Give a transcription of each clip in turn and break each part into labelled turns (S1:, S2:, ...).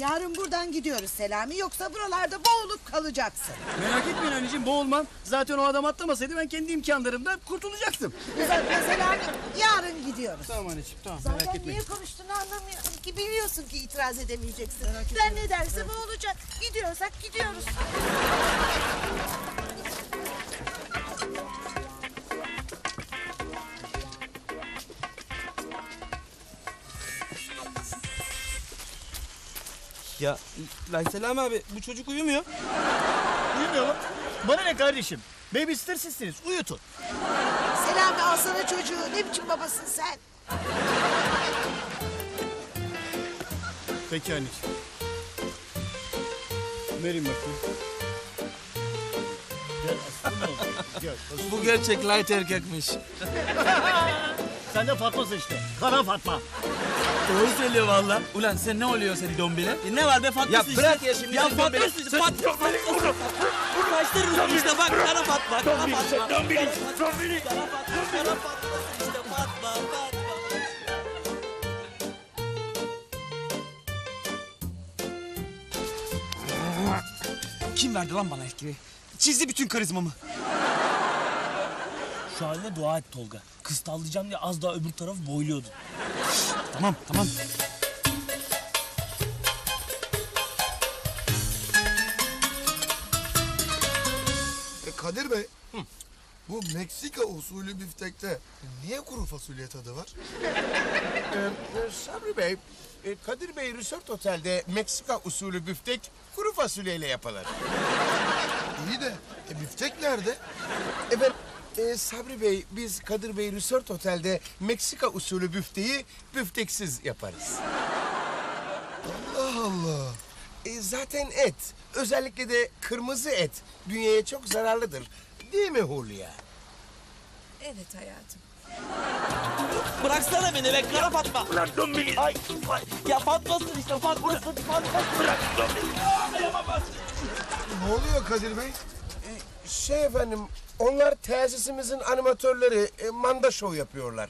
S1: Yarın buradan gidiyoruz Selami. Yoksa buralarda boğulup kalacaksın.
S2: Merak etmeyin anneciğim, boğulmam. Zaten o adam atlamasaydı ben kendi imkanlarımdan kurtulacaktım.
S1: Uzatma Selami. Yarın gidiyoruz.
S2: Tamam anneciğim, tamam, merak
S1: Zaten
S2: etmeyin.
S1: niye konuştuğunu anlamıyorum ki. Biliyorsun ki itiraz edemeyeceksin. Ben ne dersem o olacak. Gidiyorsak gidiyoruz.
S3: Ya lan Selami abi bu çocuk uyumuyor.
S2: Uyumuyor mu? Bana ne kardeşim? Babysitter sizsiniz, uyutun.
S1: Selami alsana çocuğu. Ne biçim babasın sen?
S2: Peki anneciğim. Verin bakayım. Gel aslanım oğlum. Gel.
S3: Bu gerçek light erkekmiş.
S2: Sen de Fatma'sın işte. Kara Fatma.
S3: Doğru söylüyor valla. Ulan sen ne oluyor seni dombile? Ne var be Fatma işte. Ya bırak ya şimdi. Ya Fatma işte. Fatma. Kaçtırırız işte bak kara Fatma. Kara Fatma. Dombili. Dombili. Kara Fatma. Kara Fatma işte Fatma. Fatma. Kim verdi lan bana etkili? Çizdi bütün karizmamı.
S4: Şu haline dua et Tolga. Kız tavlayacağım diye az daha öbür tarafı boyluyordu.
S3: Tamam tamam.
S5: Kadir Bey, bu Meksika usulü biftekte niye kuru fasulye tadı var?
S6: Sabri Bey, Kadir Bey Resort Otel'de Meksika usulü büftek kuru fasulyeyle yapılır.
S5: İyi de biftek nerede?
S6: Efendim, Sabri Bey, biz Kadir Bey Resort Otel'de Meksika usulü büfteyi büfteksiz yaparız.
S5: Allah Allah.
S6: Zaten et, özellikle de kırmızı et dünyaya çok zararlıdır. Değil mi Hulya?
S1: Evet hayatım.
S3: Bıraksana beni be kara Fatma.
S4: Bırak dombili. Ay.
S3: Ya Fatma'sın işte Fatma'sın.
S4: Bırak dombili.
S5: Ne oluyor Kadir Bey?
S6: Şey efendim, onlar tesisimizin animatörleri, manda şov yapıyorlar.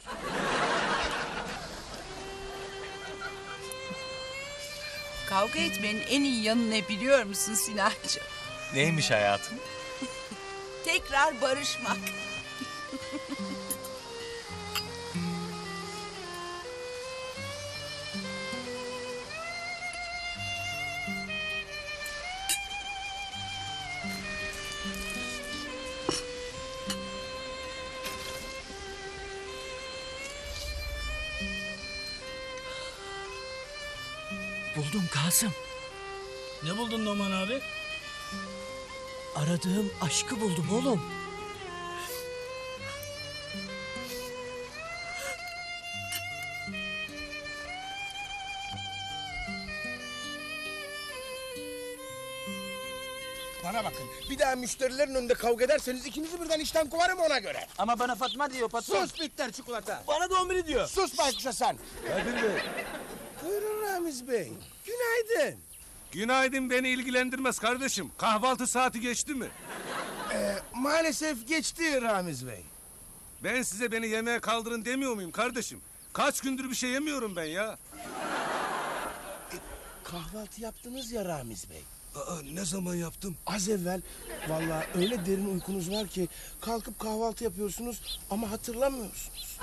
S7: Kavga etmenin en iyi yanı ne biliyor musun Sinancığım?
S4: Neymiş hayatım?
S7: Tekrar barışmak.
S4: Buldum Kasım.
S2: Ne buldun Noman abi?
S4: Aradığım aşkı buldum oğlum.
S6: Bana bakın, bir daha müşterilerin önünde kavga ederseniz ikinizi birden işten kovarım ona göre.
S3: Ama bana Fatma diyor patron.
S6: Sus bitter çikolata.
S3: Bana dombili diyor.
S6: Sus baykuşa sen.
S5: Kadir Bey,
S6: Buyurun Ramiz Bey. Günaydın.
S8: Günaydın, beni ilgilendirmez kardeşim. Kahvaltı saati geçti mi?
S6: Maalesef geçti Ramiz Bey.
S8: Ben size beni yemeğe kaldırın demiyor muyum kardeşim? Kaç gündür bir şey yemiyorum ben ya.
S6: Kahvaltı yaptınız ya Ramiz Bey.
S5: aa, ne zaman yaptım?
S6: Az evvel vallahi öyle derin uykunuz var ki kalkıp kahvaltı yapıyorsunuz ama hatırlamıyorsunuz.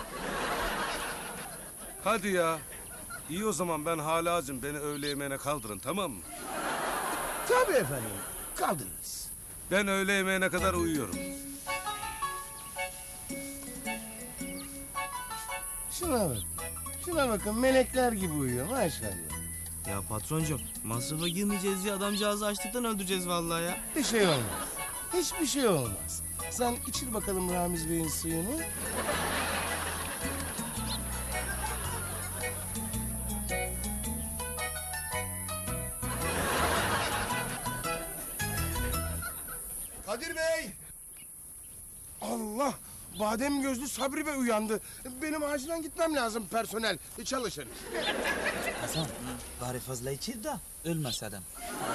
S8: Hadi ya. İyi o zaman, ben hala acım. Beni öğle yemeğine kaldırın, tamam mı?
S6: Tabii efendim. Kaldınız.
S8: Ben öğle yemeğine kadar uyuyorum.
S6: Şuna bakın. Şuna bakın melekler gibi uyuyor maşallah.
S3: Ya patroncum masrafa girmeyeceğiz diye adamcağızı açlıktan öldüreceğiz vallahi ya.
S6: Bir şey olmaz. Hiçbir şey olmaz. Sen içir bakalım Ramiz Bey'in suyunu.
S5: Kadir Bey!
S6: Allah! Badem gözlü Sabri Bey uyandı. Benim acilen gitmem lazım personel. Çalışın.
S3: Hasan bari fazla içir de ölmez adam.